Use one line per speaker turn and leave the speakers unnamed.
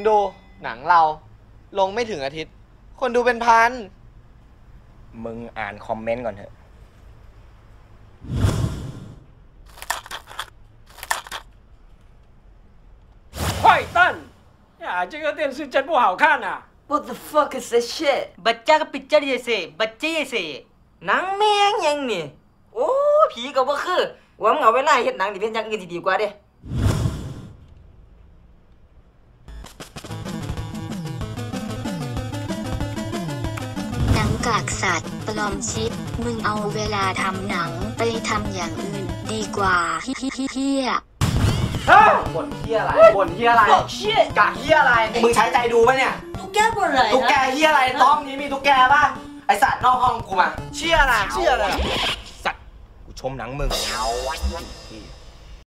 ดูหนังเราลงไม่ถึงอาทิตย์คนดูเป็นพัน
มึงอ่านคอมเมนต์ก่อนเถอะ
坏蛋呀，这个电视真不好看啊
What the fuck is this shit
บัจจากปิดจัดเยเซ่บัจเจเซ่
หนังแม่งยังนี่โอ้ผีก็บ่คือว่ามึงเอาเวลาเฮ็ดหนังที่เป็นอย่างอื่นที่ดีกว่าเด้
หนังกากสัตว์ปลอมชิปมึงเอาเวลาทำหนังไปทำอย่างอื่นดีกว่าเฮีย
บ่นเฮียอะไรบ่นเฮียอะไรกะเฮียอะไรมึงใช้ใจดูปะเนี่ย
ตุ๊กแกบ่อะไร
ตุ๊กแกเฮียอะไรต้อมนี้มีตุ๊กแกป่ะไอสัตว์นอกห้องกูมาเชี่ยอะไรสัตว์กูชมหนังมึง